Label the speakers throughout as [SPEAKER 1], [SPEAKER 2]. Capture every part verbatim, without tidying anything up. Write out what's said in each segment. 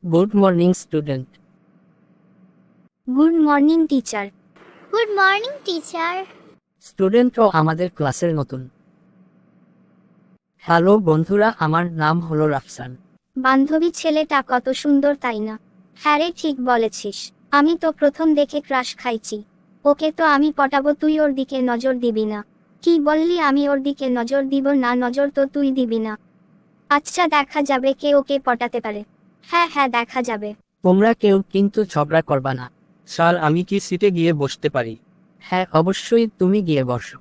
[SPEAKER 1] Good morning student.
[SPEAKER 2] Good morning teacher.
[SPEAKER 3] Good morning teacher.
[SPEAKER 1] স্টুডেন্টও আমাদের ক্লাসের নতুন। হ্যালো বন্ধুরা, আমার নাম হলো রাফসান।
[SPEAKER 2] বান্ধবী ছেলেটা কত সুন্দর তাই না? হ্যাঁ রে, ঠিক বলেছিস। আমি তো প্রথম দেখে ক্রাশ খাইছি। ওকে তো আমি পটাবো, তুই ওর দিকে নজর দিবি না। কি বললি? আমি ওর দিকে নজর দিব না? নজর তো তুই দিবি না। আচ্ছা, দেখা যাবে কে ওকে পটাতে পারে। হ্যাঁ হ্যাঁ, দেখা যাবে।
[SPEAKER 1] তোমরা কেউ কিন্তু ঝগড়া করবা না।
[SPEAKER 4] স্যার, আমি কি সিটে গিয়ে বসতে পারি?
[SPEAKER 1] হ্যাঁ অবশ্যই, তুমি গিয়ে বসো।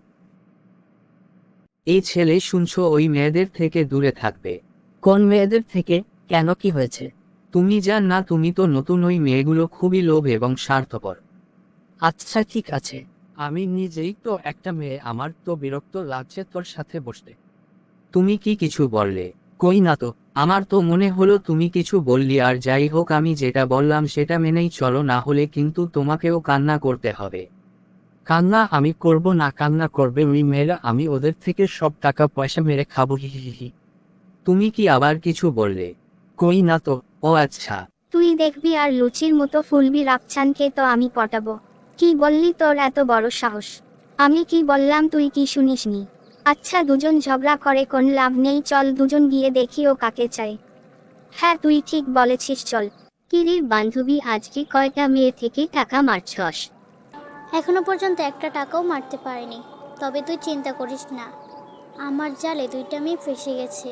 [SPEAKER 4] এই ছেলে শুনছো, ওই মেয়েদের থেকে দূরে থাকবে।
[SPEAKER 1] কোন মেয়েদের থেকে? কেন, কি হয়েছে?
[SPEAKER 4] তুমি জান না, তুমি তো নতুন, ওই মেয়েগুলো খুবই লোভ এবং স্বার্থপর।
[SPEAKER 1] আচ্ছা ঠিক আছে, আমি নিজেই তো একটা মেয়ে, আমার তো বিরক্ত লাগছে তোর সাথে বসতে।
[SPEAKER 4] তুমি কি কিছু বললে?
[SPEAKER 1] কই না তো।
[SPEAKER 4] আমার তো মনে হলো তুমি কিছু বললি, আর যাই হোক, আমি যেটা বললাম সেটা মেনেই চলো, না হলে কিন্তু তোমাকেও কান্না করতে হবে।
[SPEAKER 1] কান্না আমি করব না? কান্না করবে ওই মেয়েরা, আমি ওদের থেকে সব টাকা পয়সা মেরে খাবো। হি হি হি।
[SPEAKER 4] তুমি কি আবার কিছু বললে?
[SPEAKER 1] কই না তো।
[SPEAKER 4] ও আচ্ছা।
[SPEAKER 2] তুই দেখবি আর লুচির মতো ফুলবি। রাপচানকে তো আমি পটাবো। কি বললি? তোর এত বড় সাহস! আমি কি বললাম তুই কি শুনিসনি? আচ্ছা, দুজন ঝগড়া করে কোন লাভ নেই, চল দুজন গিয়ে দেখি ও কাকে চাই। হ্যাঁ তুই ঠিক বলেছিস, চল।
[SPEAKER 3] কিরির বান্ধবী, আজকে কয়টা মেয়ে থেকে টাকা মারছস? এখনো পর্যন্ত একটা টাকাও মারতে পারিনি। তবে তুই চিন্তা করিস না, আমার জালে দুইটা মেয়ে ফেসে গেছে।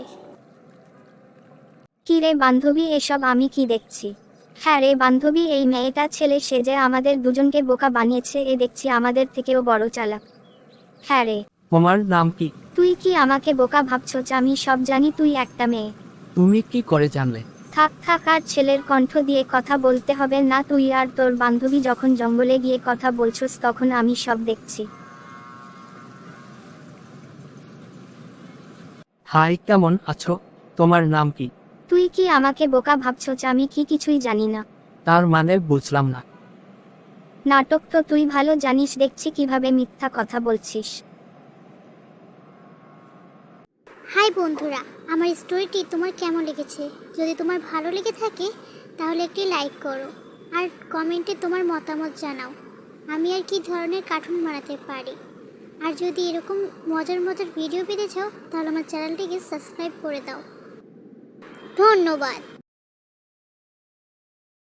[SPEAKER 2] কি রে বান্ধবী, এসব আমি কি দেখছি? হ্যাঁ রে বান্ধবী, এই মেয়েটা ছেলে সেজে আমাদের দুজনকে বোকা বানিয়েছে। এ দেখছি আমাদের থেকেও বড় চালাক। হ্যাঁ রে।
[SPEAKER 1] তোমার নাম কি?
[SPEAKER 2] তুই কি আমাকে বোকা ভাবছস? আমি সব জানি, তুই একটা মেয়ে।
[SPEAKER 1] তুমি কি করে জানলে?
[SPEAKER 2] থাক থাক, আর ছেলের কণ্ঠ দিয়ে কথা বলতে হবে না। তুই আর তোর বান্ধবী যখন জঙ্গলে গিয়ে কথা বলছস তখন আমি সব দেখছি।
[SPEAKER 1] হাই, কেমন আছো? তোমার নাম কি?
[SPEAKER 2] তুই কি আমাকে বোকা ভাবছস? আমি কি কিছুই জানি না?
[SPEAKER 1] তার মানে বুঝলাম না।
[SPEAKER 2] নাটক তো তুই ভালো জানিস, দেখছি কিভাবে মিথ্যা কথা বলছিস।
[SPEAKER 3] হাই বন্ধুরা, আমার স্টোরিটি তোমার কেমন লেগেছে? যদি তোমার ভালো লেগে থাকে তাহলে একটি লাইক করো, আর কমেন্টে তোমার মতামত জানাও আমি আর কি ধরনের কার্টুন বানাতে পারি। আর যদি এরকম মজার মজার ভিডিও পেতে চাও তাহলে আমার চ্যানেলটিকে সাবস্ক্রাইব করে দাও। ধন্যবাদ।